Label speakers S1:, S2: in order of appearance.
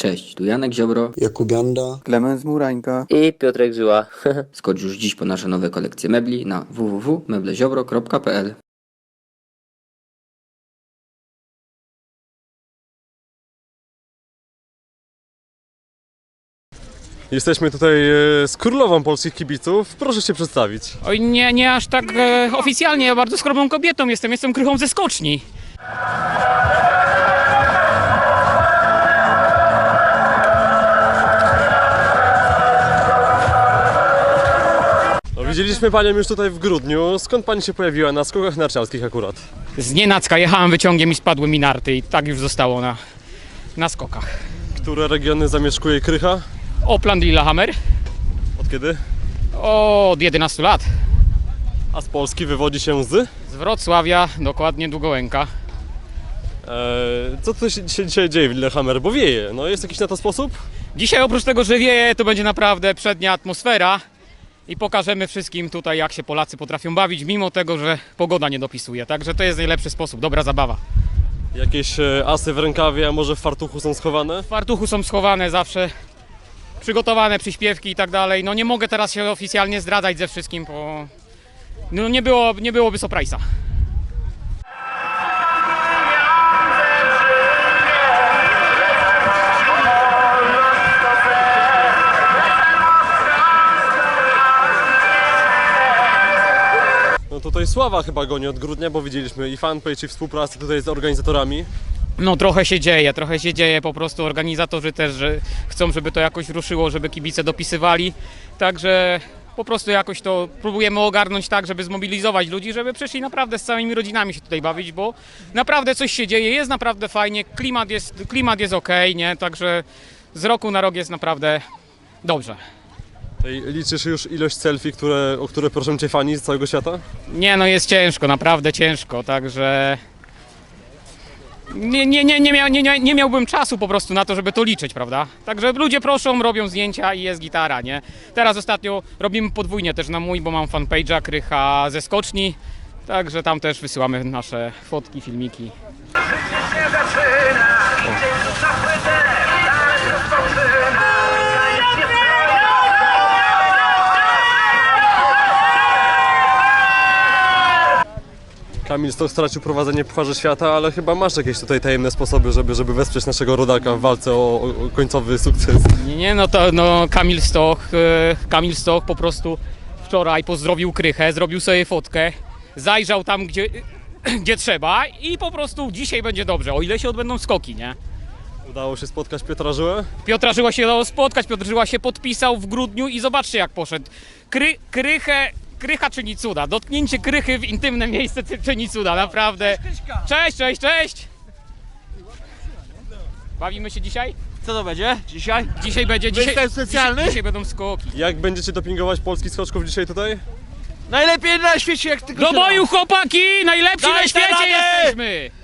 S1: Cześć, tu Janek Ziobro,
S2: Jakub Janda,
S3: Klemens Murańka
S4: i Piotrek Żyła.
S1: skocz już dziś po nasze nowe kolekcje mebli na www.mebleziobro.pl.
S5: Jesteśmy tutaj z królową polskich kibiców. Proszę się przedstawić.
S6: Oj, nie aż tak oficjalnie, ja bardzo skromną kobietą jestem krychą ze skoczni.
S5: No, widzieliśmy panią już tutaj w grudniu. Skąd pani się pojawiła na skokach narciarskich akurat?
S6: Znienacka jechałem wyciągiem i spadły mi narty i tak już zostało na skokach.
S5: Które regiony zamieszkuje Krycha?
S6: Opland i Lillehammer
S5: Od kiedy?
S6: od 11 lat.
S5: A z Polski wywodzi się z?
S6: Z Wrocławia, dokładnie Długołęka.
S5: Co tu się dzisiaj dzieje w Lillehammer? Bo wieje. No, jest jakiś na to sposób?
S6: Dzisiaj oprócz tego, że wieje, to będzie naprawdę przednia atmosfera i pokażemy wszystkim tutaj, jak się Polacy potrafią bawić, mimo tego, że pogoda nie dopisuje. Także to jest najlepszy sposób, dobra zabawa.
S5: Jakieś asy w rękawie, a może w fartuchu są schowane?
S6: W fartuchu są schowane zawsze przygotowane przyśpiewki i tak dalej. No nie mogę teraz się oficjalnie zdradzać ze wszystkim, bo no nie byłoby surprise'a.
S5: No tutaj sława chyba goni od grudnia, bo widzieliśmy i fanpage, i współpracę tutaj z organizatorami.
S6: No trochę się dzieje, po prostu organizatorzy też że chcą, żeby to jakoś ruszyło, żeby kibice dopisywali. Także po prostu jakoś to próbujemy ogarnąć tak, żeby zmobilizować ludzi, żeby przyszli naprawdę z całymi rodzinami się tutaj bawić, bo naprawdę coś się dzieje, jest naprawdę fajnie, klimat jest okej, nie? Także z roku na rok jest naprawdę dobrze.
S5: Liczysz już ilość selfie, o które proszą cię fani z całego świata?
S6: Nie, no jest ciężko, naprawdę ciężko, także nie miałbym czasu po prostu na to, żeby to liczyć, prawda? Także ludzie proszą, robią zdjęcia i jest gitara, nie? Teraz ostatnio robimy podwójnie też na mój, bo mam fanpage'a Krycha ze skoczni, także tam też wysyłamy nasze fotki, filmiki.
S5: Kamil Stoch stracił prowadzenie Pucharze Świata, ale chyba masz jakieś tutaj tajemne sposoby, żeby wesprzeć naszego rodaka w walce o końcowy sukces.
S6: Nie, no to no, Kamil Stoch po prostu wczoraj pozdrowił Krychę, zrobił sobie fotkę, zajrzał tam, gdzie trzeba i po prostu dzisiaj będzie dobrze, o ile się odbędą skoki, nie?
S5: Udało się spotkać Piotra Żyłę?
S6: Piotra Żyła się dało spotkać, Piotr Żyła się podpisał w grudniu i zobaczcie jak poszedł. Krycha czyni cuda, dotknięcie Krychy w intymne miejsce czyni cuda, naprawdę. Cześć! Bawimy się dzisiaj?
S3: Co to będzie dzisiaj?
S6: Dzisiaj będzie,
S3: Występ specjalny?
S6: dzisiaj będą skoki.
S5: Jak będziecie dopingować polskich skoczków dzisiaj tutaj?
S3: Najlepiej na świecie jak tylko
S6: Do
S3: się da.
S6: boju chłopaki, najlepsi
S3: Daj
S6: na świecie
S3: radę!
S6: jesteśmy!